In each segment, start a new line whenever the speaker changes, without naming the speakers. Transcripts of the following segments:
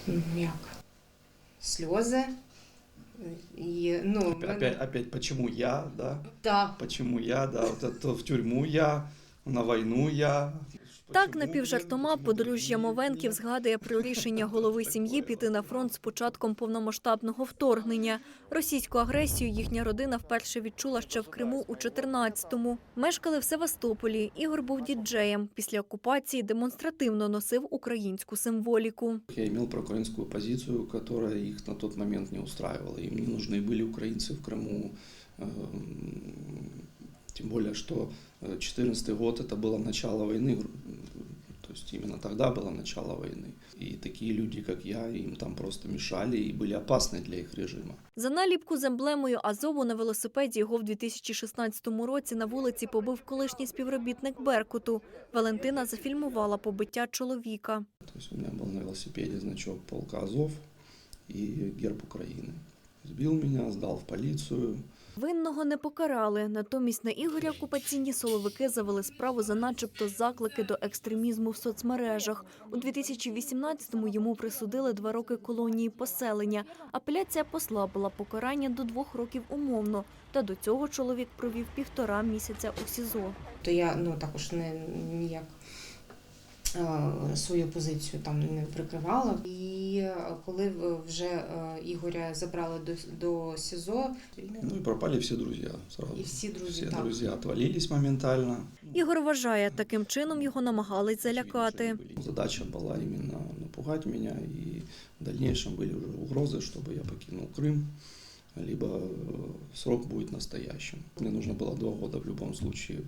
Як? Сльози. І,
Опять почему я, да?
Так.
Почему я, да? Вот это в тюрьму я, на війну я.
Так, напівжартома подружжя Мовенків згадує про рішення голови сім'ї піти на фронт з початком повномасштабного вторгнення. Російську агресію їхня родина вперше відчула ще в Криму у 14-му. Мешкали в Севастополі. Ігор був діджеєм. Після окупації демонстративно носив українську символіку.
Я имел проукраинскую позицию, которая их на тот момент не устраивала. Им не нужны были украинцы в Крыму. Тем более, что 2014 год – это было начало войны, то есть именно тогда было начало войны. И такие люди, как я, им там просто мешали и были опасны для их режима.
За наліпку з емблемою Азову на велосипеді його в 2016 році на вулиці побив колишній співробітник «Беркуту». Валентина зафільмувала побиття чоловіка.
То есть у меня был на велосипеде значок полка Азов и герб Украины. Сбил меня, сдал в полицию.
Винного не покарали. Натомість на Ігоря окупаційні силовики завели справу за начебто заклики до екстремізму в соцмережах. У 2018-му йому присудили 2 роки колонії поселення. Апеляція послабила покарання до 2 років умовно. Та до цього чоловік провів 1,5 місяця у СІЗО.
То я також ніяк свою позицію там не прикривала. І коли вже Ігоря забрали до СІЗО...
Ну и пропали все друзья сразу.
І всі друзі,
Все
так.
друзья отвалились моментально.
Ігор вважає, таким чином його намагались залякати.
Задача была именно напугать меня, и в дальнейшем были уже угрозы, чтобы я покинул Крым, либо срок будет настоящим. Мне нужно было 2 года в любом случае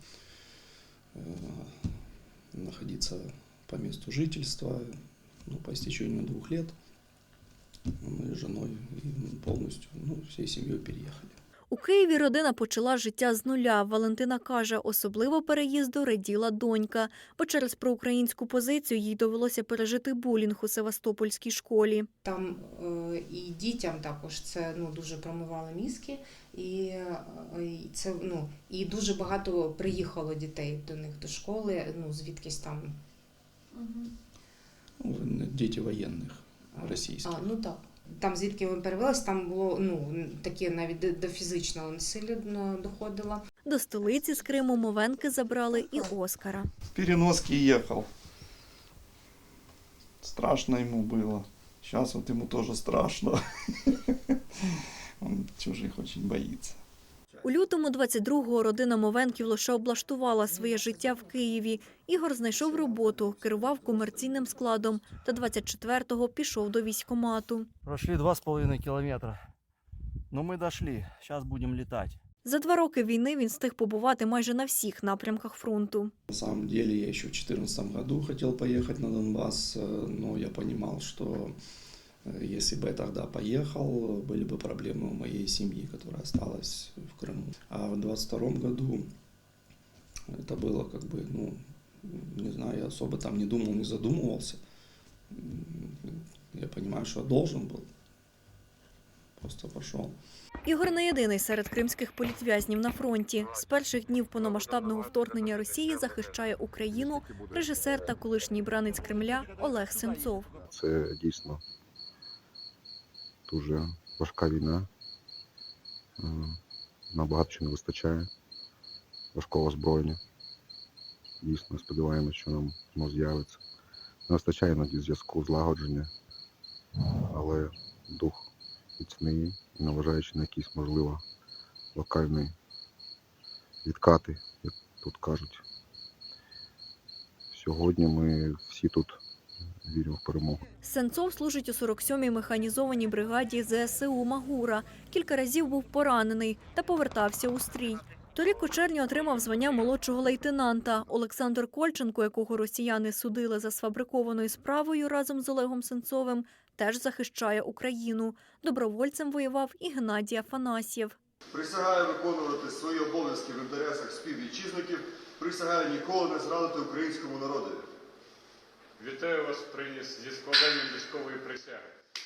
находиться по месту жительства, по истечению 2 лет. Мы с женой полностью, всей семьей переехали.
У Києві родина почала життя з нуля. Валентина каже, особливо переїзду раділа донька, бо через проукраїнську позицію їй довелося пережити булінг у Севастопольській школі.
Там і дітям також це дуже промивало мізки, і це і дуже багато приїхало дітей до них до школи, звідкись там.
Діти воєнних російських.
Так. Там, звідки ми перевелися, там було таке навіть до фізичного насилля доходило.
До столиці з Криму Мовенки забрали і Оскара.
В переноски ехал. Страшно ему было. Сейчас вот ему тоже страшно. Он чужих очень боится.
У лютому 22-го родина Мовенків лише облаштувала своє життя в Києві. Ігор знайшов роботу, керував комерційним складом та 24-го пішов до військкомату.
Прошли 2,5 кілометра. Ну ми дійшли, зараз будемо літати.
За 2 роки війни він встиг побувати майже на всіх напрямках фронту.
На самом деле я еще в 2014 году хотел поехать на Донбасс, но я понимал, что если бы я тогда поехал, были бы проблемы у моей семьи, которая осталась в Крыму. А в 2022 году это было не знаю, я особо там не думал, не задумывался. Я понимаю, что я должен был. Просто пошел.
Ігор не єдиний серед кримських політв'язнів на фронті. З перших днів повномасштабного вторгнення Росії захищає Україну режисер та колишній бранець Кремля Олег Сенцов.
Це дійсно дуже важка війна. Нам багато чого не вистачає. Важкого озброєння. Дійсно, сподіваємося, що нам воно з'явиться. Не вистачає іноді зв'язку, злагодження, але дух міцний, наважаючи на якісь, можливо, локальні відкати, як тут кажуть. Сьогодні ми всі тут віримо в перемогу.
Сенцов служить у 47-й механізованій бригаді ЗСУ «Магура». Кілька разів був поранений та повертався у стрій. Торік у червні отримав звання молодшого лейтенанта. Олександр Кольченко, якого росіяни судили за сфабрикованою справою разом з Олегом Сенцовим, теж захищає Україну. Добровольцем воював і Геннадій Афанасьєв.
Присягаю виконувати свої обов'язки в інтересах співвітчизників. Присягаю ніколи не зрадити українському народу.
Вітаю вас зі складанням військової присяги.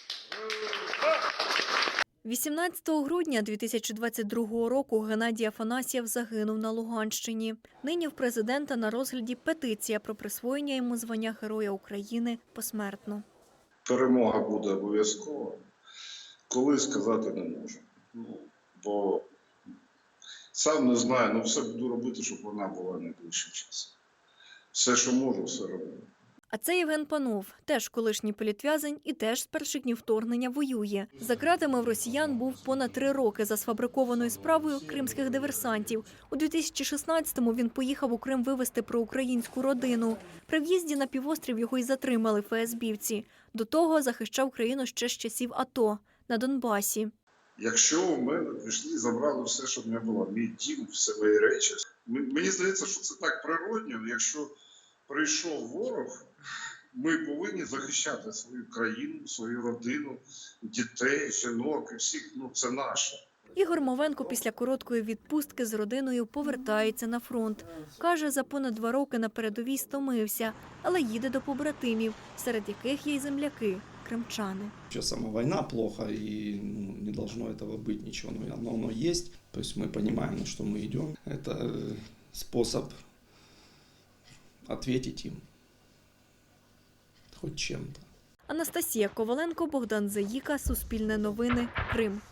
18 грудня 2022 року Геннадій Афанасьєв загинув на Луганщині. Нині в президента на розгляді петиція про присвоєння йому звання Героя України посмертно.
перемога буде обов'язково. Коли сказати не можу. Бо сам не знаю, все буду робити, щоб вона була найближчим часом. Все, що можу, все роблю.
А це Євген Панов, теж колишній політв'язень і теж з перших днів вторгнення воює. За ґратами в росіян був понад 3 роки за сфабрикованою справою кримських диверсантів. У 2016-му він поїхав у Крим вивезти проукраїнську родину. При в'їзді на півострів його й затримали ФСБівці. До того захищав країну ще з часів АТО на Донбасі.
Якщо у мене пішли, забрали все, що в мене було, мій дім, все мої речі. Мені здається, що це так природньо. Якщо прийшов ворог, ми повинні захищати свою країну, свою родину, дітей, жінок і всіх. Це наше.
Ігор Мовенко після короткої відпустки з родиною повертається на фронт. Каже, за понад 2 роки на передовій стомився, але їде до побратимів, серед яких є й земляки – кримчани.
Сейчас сама война плохо, и не должно этого быть ничего, но оно есть. То есть мы понимаем, на что мы идем. Это способ ответить им хоть чем-то.
Анастасія Коваленко, Богдан Заїка, Суспільне новини, Крим.